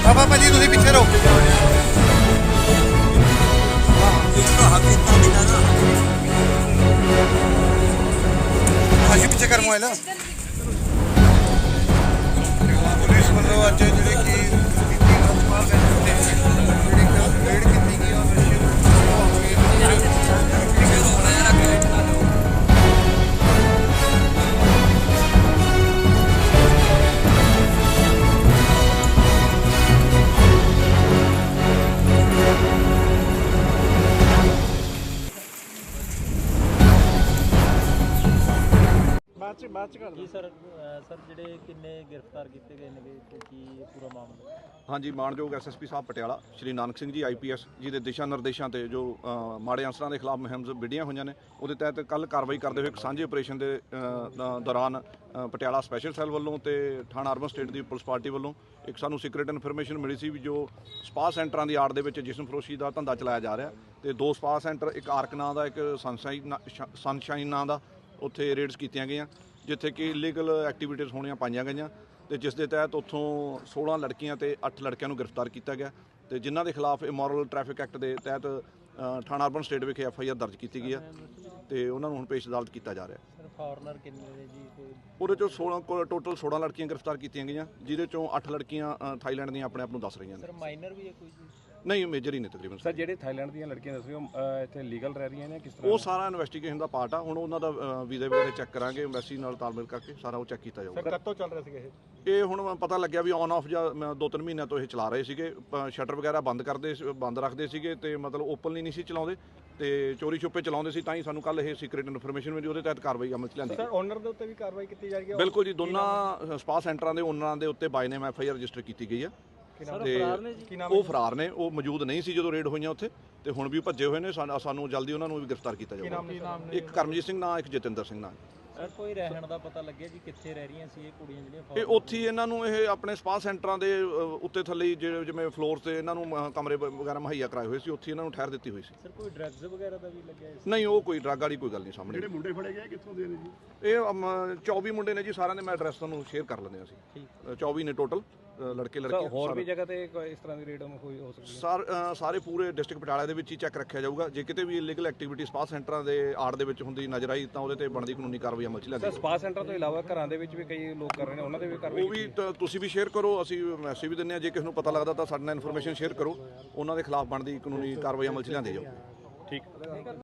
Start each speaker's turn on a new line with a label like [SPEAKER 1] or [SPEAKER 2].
[SPEAKER 1] ਬਾਬਾ ਭਾਜੀ ਤੁਸੀਂ ਪਿੱਛੇ ਰਹੋ। ਭਾਜੀ ਪਿੱਛੇ ਕਰ ਮੋਬਾਈਲ। ਪੁਲਿਸ ਵੱਲੋਂ ਅੱਜ ਜਿਹੜੇ ਕਿ
[SPEAKER 2] ਬਾਅਦ ਚ ਕਰ
[SPEAKER 3] ਜੀ ਸਰ ਜਿਹੜੇ ਕਿੰਨੇ ਗ੍ਰਿਫਤਾਰ ਕੀਤੇ ਗਏ ਨੇ ਤੇ ਕੀ ਪੂਰਾ ਮਾਮਲਾ?
[SPEAKER 4] ਹਾਂਜੀ, ਮਾਣਯੋਗ ਐਸਐਸਪੀ ਸਾਹਿਬ ਪਟਿਆਲਾ ਸ਼੍ਰੀ ਨਾਨਕ ਸਿੰਘ ਜੀ ਆਈਪੀਐਸ ਜੀ ਦੇ ਦਿਸ਼ਾ ਨਿਰਦੇਸ਼ਾਂ ਤੇ ਜੋ ਮਾੜੇ ਅਨਸਰਾਂ ਦੇ ਖਿਲਾਫ ਮੁਹਿੰਮ ਵਿੱਢੀਆਂ ਹੋਈਆਂ ਨੇ, ਉਹਦੇ ਤਹਿਤ ਕੱਲ ਕਾਰਵਾਈ ਕਰਦੇ ਹੋਏ ਇੱਕ ਸਾਂਝੇ ਆਪਰੇਸ਼ਨ ਦੇ ਦੌਰਾਨ ਪਟਿਆਲਾ ਸਪੈਸ਼ਲ ਸੈੱਲ ਵੱਲੋਂ ਤੇ ਥਾਣਾ ਅਰਬਨ ਸਟੇਟ ਦੀ ਪੁਲਿਸ ਪਾਰਟੀ ਵੱਲੋਂ ਇੱਕ ਸਾਨੂੰ ਸੀਕ੍ਰੇਟ ਇਨਫੋਰਮੇਸ਼ਨ ਮਿਲੀ ਸੀ ਵੀ ਜੋ ਸਪਾ ਸੈਂਟਰਾਂ ਦੀ ਆੜ ਦੇ ਵਿੱਚ ਜਿਸਮ ਫਰੋਸ਼ੀ ਦਾ ਧੰਦਾ ਚਲਾਇਆ ਜਾ ਰਿਹਾ ਤੇ 2 ਸਪਾ ਸੈਂਟਰ, ਇੱਕ ਆਰਕ ਨਾਂ ਦਾ, ਇੱਕ ਸਨਸ਼ਾਈਨ ਨਾਂ ਦਾ, ਉੱਥੇ ਰੇਡਸ ਕੀਤੀਆਂ ਗਈਆਂ ਜਿੱਥੇ ਕਿ ਇਲੀਗਲ ਐਕਟੀਵਿਟੀਜ਼ ਹੋਣੀਆਂ ਪਾਈਆਂ ਗਈਆਂ ਤੇ ਜਿਸ ਦੇ ਤਹਿਤ ਉੱਥੋਂ 16 ਲੜਕੀਆਂ ਤੇ 8 ਲੜਕਿਆਂ ਨੂੰ ਗ੍ਰਿਫਤਾਰ ਕੀਤਾ ਗਿਆ ਤੇ ਜਿਨ੍ਹਾਂ ਦੇ ਖਿਲਾਫ ਇਮੋਰਲ ਟ੍ਰੈਫਿਕ ਐਕਟ ਦੇ ਤਹਿਤ ਥਾਣਾ ਅਰਬਨ ਸਟੇਟ ਵਿਖੇ FIR ਦਰਜ ਕੀਤੀ ਗਈ ਆ ਤੇ ਉਹਨਾਂ ਨੂੰ ਹੁਣ ਪੇਸ਼ ਅਦਾਲਤ ਕੀਤਾ ਜਾ ਰਿਹਾ।
[SPEAKER 3] ਸਰ ਫੋਰਨਰ ਕਿੰਨੇ ਨੇ ਜੀ?
[SPEAKER 4] ਉਹਦੇ ਚੋਂ ਟੋਟਲ 16 ਲੜਕੀਆਂ ਗ੍ਰਿਫਤਾਰ ਕੀਤੀਆਂ ਗਈਆਂ ਜਿਹਦੇ ਚੋਂ 8 ਲੜਕੀਆਂ ਥਾਈਲੈਂਡ ਦੀਆਂ ਆਪਣੇ ਆਪ ਨੂੰ ਦੱਸ ਰਹੀਆਂ ਨੇ।
[SPEAKER 3] ਸਰ ਮਾਈਨਰ ਵੀ ਹੈ ਕੋਈ ਜੀ?
[SPEAKER 4] ਨਹੀਂ, ਮੇਜਰ ਹੀ ਨੇ ਤਕਰੀਬਨ।
[SPEAKER 2] ਸਰ ਜਿਹੜੇ ਥਾਈਲੈਂਡ ਦੀਆਂ ਲੜਕੀਆਂ ਦੱਸ ਰਹੇ ਹੋ ਇੱਥੇ ਲੀਗਲ ਰਹਿ ਰਹੀਆਂ ਨੇ ਕਿਸ ਤਰ੍ਹਾਂ?
[SPEAKER 4] ਉਹ ਸਾਰਾ ਇਨਵੈਸਟੀਗੇਸ਼ਨ ਦਾ ਪਾਰਟ ਆ। ਹੁਣ ਉਹਨਾਂ ਦਾ ਵੀਜ਼ੇ ਵਗੈਰਾ ਚੈੱਕ ਕਰਾਂਗੇ, ਐਮਬੈਸੀ ਨਾਲ ਤਾਲਮੇਲ ਕਰਕੇ ਸਾਰਾ ਉਹ ਚੈੱਕ ਕੀਤਾ ਜਾਊਗਾ।
[SPEAKER 2] ਸਰ ਕਦੋਂ ਚੱਲ ਰਿਹਾ ਸੀਗਾ
[SPEAKER 4] ਇਹ ਹੁਣ ਪਤਾ ਲੱਗਿਆ ਵੀ ਔਨ ਆਫ ਜਾਂ 2-3 ਮਹੀਨਿਆਂ ਤੋਂ ਇਹ ਚਲਾ ਰਹੇ ਸੀਗੇ। ਸ਼ਟਰ ਵਗੈਰਾ ਬੰਦ ਰੱਖਦੇ ਸੀਗੇ ਤੇ ਮਤਲਬ ਓਪਨਲੀ ਨਹੀਂ ਸੀ ਚਲਾਉਂਦੇ ਤੇ ਚੋਰੀ ਛੁਪੇ ਚਲਾਉਂਦੇ ਸੀ, ਤਾਂ ਹੀ ਸਾਨੂੰ ਕੱਲ ਇਹ ਸੀਕ੍ਰੀਟ ਇਨਫੋਰਮੇਸ਼ਨ ਮਿਲੀ, ਉਹਦੇ ਤਹਿਤ ਕਾਰਵਾਈ ਅਮਲ 'ਚ ਲਿਆਂਦੀ।
[SPEAKER 2] ਸਰ ਓਨਰ ਦੇ ਉੱਤੇ ਵੀ ਕਾਰਵਾਈ ਕੀਤੀ ਜਾ ਰਹੀ ਹੈ?
[SPEAKER 4] ਬਿਲਕੁਲ ਜੀ, ਦੋਨਾਂ ਸਪਾ ਸੈਂਟਰਾਂ ਦੇ ਓਨਰਾਂ ਦੇ ਉੱਤੇ ਬਾਈ ਨੇਮ FIR ਰਜਿਸਟਰ ਕੀਤੀ ਗਈ ਆ ਤੇ ਉਹ ਫਰਾਰ ਨੇ, ਉਹ ਮੌਜੂਦ ਨਹੀਂ ਸੀ ਜਦੋਂ ਰੇਡ ਹੋਈਆਂ ਉੱਥੇ ਤੇ ਹੁਣ ਵੀ ਭੱਜੇ ਹੋਏ ਨੇ। ਸਾਨੂੰ ਜਲਦੀ ਉਹਨਾਂ ਨੂੰ ਵੀ ਗ੍ਰਿਫਤਾਰ ਕੀਤਾ ਜਾਊਗਾ। ਇੱਕ ਕਰਮਜੀਤ ਸਿੰਘ ਨਾਂ, ਇੱਕ ਜਤਿੰਦਰ ਸਿੰਘ ਨਾਂ।
[SPEAKER 3] ਸਰ ਕੋਈ ਰਹਿਣ ਦਾ ਪਤਾ ਲੱਗਿਆ ਜੀ ਕਿੱਥੇ ਰਹਿ ਰਹੀਆਂ ਸੀ ਇਹ ਕੁੜੀਆਂ ਜਿਹੜੀਆਂ?
[SPEAKER 4] ਇਹ ਉੱਥੇ ਇਹਨਾਂ ਨੂੰ ਇਹ ਆਪਣੇ ਸਪਾ ਸੈਂਟਰਾਂ ਦੇ ਉੱਤੇ ਥੱਲੇ ਜਿਵੇਂ ਫਲੋਰ ਤੇ ਇਹਨਾਂ ਨੂੰ ਕਮਰੇ ਵਗੈਰਾ ਮੁਹੱਈਆ ਕਰਾਏ ਹੋਏ ਸੀ, ਉੱਥੇ ਇਹਨਾਂ ਨੂੰ ਠਹਿਰ ਦਿੱਤੀ ਹੋਈ ਸੀ।
[SPEAKER 3] ਸਰ ਕੋਈ ਡਰੱਗਸ ਵਗੈਰਾ ਦਾ ਵੀ ਲੱਗਿਆ ਇਸ?
[SPEAKER 4] ਨਹੀਂ, ਉਹ ਕੋਈ ਡਰੱਗ ਵਾਲੀ ਕੋਈ ਗੱਲ ਨਹੀਂ ਸਾਹਮਣੇ।
[SPEAKER 2] ਜਿਹੜੇ ਮੁੰਡੇ ਫੜੇ ਗਏ ਕਿੱਥੋਂ ਦੇ ਨੇ ਜੀ?
[SPEAKER 4] ਇਹ 24 ਮੁੰਡੇ ਨੇ ਜੀ, ਸਾਰਿਆਂ ਦੇ ਮੈਂ ਐਡਰੈਸ ਤੁਹਾਨੂੰ ਸ਼ੇਅਰ ਕਰ ਲੈਂਦੇ ਹਾਂ ਅਸੀਂ। 24 ਨੇ ਟੋਟਲ ਲੜਕੇ ਲੜਕੀਆਂ।
[SPEAKER 2] ਹੋਰ ਵੀ ਜਗ੍ਹਾ ਤੇ ਇਸ ਤਰ੍ਹਾਂ ਦੀ ਰੇਡ ਹੋਈ ਹੋ ਸਕਦੀ ਹੈ?
[SPEAKER 4] ਸਾਰੇ ਪੂਰੇ ਡਿਸਟ੍ਰਿਕਟ ਪਟਿਆਲਾ ਦੇ ਵਿੱਚ ਹੀ ਚੈੱਕ ਰੱਖਿਆ ਜਾਊਗਾ। ਜੇ ਕਿਤੇ ਵੀ ਇਲੀਗਲ ਐਕਟੀਵਿਟੀ ਸਪਾ ਸੈਂਟਰਾਂ ਦੇ ਆੜ ਦੇ ਵਿੱਚ ਹੁੰਦੀ ਨਜ਼ਰ ਆਈ ਤਾਂ ਉਹਦੇ ਤੇ ਬਣਦੀ ਕਾਨੂੰਨੀ ਕਾਰਵਾਈ ਅਮਲ 'ਚ ਲਿਆਂਦੀ ਜਾਊਗੀ।
[SPEAKER 2] ਸਪਾ ਸੈਂਟਰ ਤੋਂ ਇਲਾਵਾ ਘਰਾਂ ਦੇ ਵਿੱਚ ਵੀ ਕਈ ਲੋਕ ਕਰ ਰਹੇ ਨੇ, ਉਹਨਾਂ ਦੇ ਵੀ ਕਾਰਵਾਈ?
[SPEAKER 4] ਉਹ ਵੀ ਤੁਸੀਂ ਵੀ ਸ਼ੇਅਰ ਕਰੋ, ਅਸੀਂ ਮੈਸੇਜ ਵੀ ਦਿੰਦੇ ਹਾਂ। ਜੇ ਕਿਸੇ ਨੂੰ ਪਤਾ ਲੱਗਦਾ ਤਾਂ ਸਾਡੇ ਨਾਲ ਇਨਫੋਰਮੇਸ਼ਨ ਸ਼ੇਅਰ ਕਰੋ, ਉਹਨਾਂ ਦੇ ਖਿਲਾਫ ਬਣਦੀ ਕਾਨੂੰਨੀ ਕਾਰਵਾਈ ਅਮਲ 'ਚ ਲਿਆਂਦੀ ਜਾਊਗੀ।
[SPEAKER 2] ਠੀਕ।